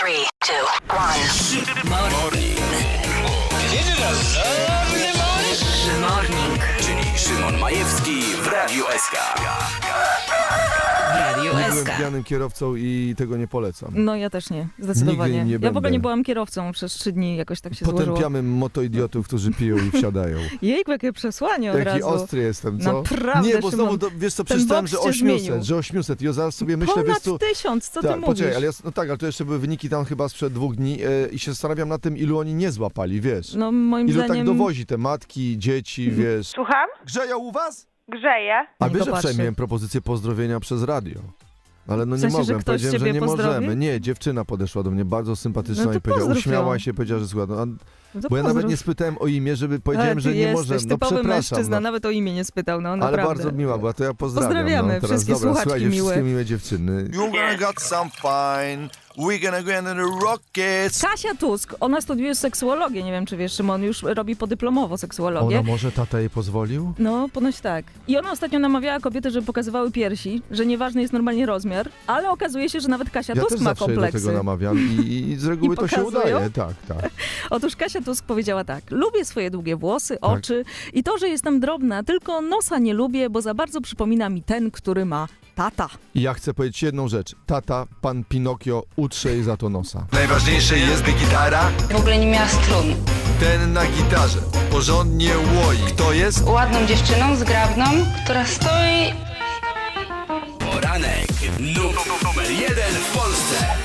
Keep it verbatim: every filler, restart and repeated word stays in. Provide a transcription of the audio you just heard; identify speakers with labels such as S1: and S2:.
S1: three, two, one.
S2: Morning.
S1: Morning.
S2: Czyli Szymon Majewski w Radiu S K.
S3: Radio
S4: Nie byłem
S3: S K.
S4: pijanym kierowcą i tego nie polecam.
S3: No ja też nie, zdecydowanie.
S4: Nigdy nie
S3: ja w ogóle
S4: będę.
S3: nie byłam kierowcą przez trzy dni, jakoś tak się złożyło.
S4: Potępiamy motoidiotów, którzy piją i wsiadają.
S3: Jejku, jakie przesłanie od
S4: Jaki
S3: razu.
S4: ostry jestem, co?
S3: Naprawdę,
S4: Nie, bo znowu,
S3: Szymon,
S4: to, wiesz co,
S3: ten
S4: przeczytałem,
S3: boks
S4: że
S3: cię zmienił.
S4: osiemset, że osiemset. I ja zaraz sobie myślę,
S3: Ponad
S4: wiesz co...
S3: tysiąc, co ty
S4: Tak,
S3: mówisz?
S4: poczekaj, ale ja, no tak, ale to jeszcze były wyniki tam chyba sprzed dwóch dni e, i się zastanawiam nad tym, ilu oni nie złapali, wiesz?
S3: No moim
S4: Ilu
S3: zdaniem...
S4: tak dowozi te matki, dzieci, wiesz?
S5: Słucham?
S4: Grzeją u was?
S5: Grzeje.
S4: A
S3: Niech
S4: wiesz,
S3: go
S4: że
S3: patrzy.
S4: wczoraj miałem propozycję pozdrowienia przez radio. Ale no
S3: W
S4: nie
S3: sensie, że
S4: mogłem,
S3: ktoś
S4: powiedziałem, że
S3: ciebie
S4: nie
S3: pozdrowi?
S4: możemy. Nie, dziewczyna podeszła do mnie, bardzo sympatyczna
S3: No to
S4: i powiedziała,
S3: pozdrów
S4: uśmiała
S3: ją.
S4: się, powiedziała, że słucha. No, a,
S3: No to
S4: bo ja nawet
S3: pozdrów.
S4: nie spytałem o imię, żeby
S3: Ale
S4: powiedziałem,
S3: ty
S4: że nie
S3: jesteś
S4: możemy. No
S3: typowy
S4: przepraszam.
S3: mężczyzna,
S4: No.
S3: nawet o imię nie spytał, no
S4: Ale
S3: naprawdę.
S4: bardzo miła była, to ja pozdrawiam.
S3: Pozdrawiamy
S4: no, teraz,
S3: wszystkie
S4: dobra,
S3: słuchaczki
S4: słuchajcie,
S3: miłe.
S4: wszystkie miłe dziewczyny.
S6: You're gonna got some fine. We're gonna go into the rockets.
S3: Kasia Tusk, ona studiuje seksuologię, nie wiem czy wiesz, Szymon już robi podyplomowo seksuologię.
S4: Ona może tata jej pozwolił?
S3: No, ponoć tak. I ona ostatnio namawiała kobiety, żeby pokazywały piersi, że nieważny jest normalnie rozmiar, ale okazuje się, że nawet Kasia
S4: Ja
S3: Tusk
S4: też
S3: ma
S4: zawsze jej do
S3: kompleksy.
S4: tego namawiam i, i z reguły
S3: I
S4: to się
S3: pokazują?
S4: udaje. Tak, tak.
S3: Otóż Kasia Tusk powiedziała tak: lubię swoje długie włosy,
S4: Tak.
S3: oczy i to, że jestem drobna, tylko nosa nie lubię, bo za bardzo przypomina mi ten, który ma tata.
S4: I ja chcę powiedzieć jedną rzecz. Tata, pan Pinokio, utrze jej za to nosa.
S6: Najważniejsze jest, by gitara,
S7: W ogóle nie miała strun.
S6: ten na gitarze, porządnie łoi. Kto jest?
S7: Ładną dziewczyną, zgrabną, która stoi...
S2: Poranek. Nu- numer jeden w Polsce.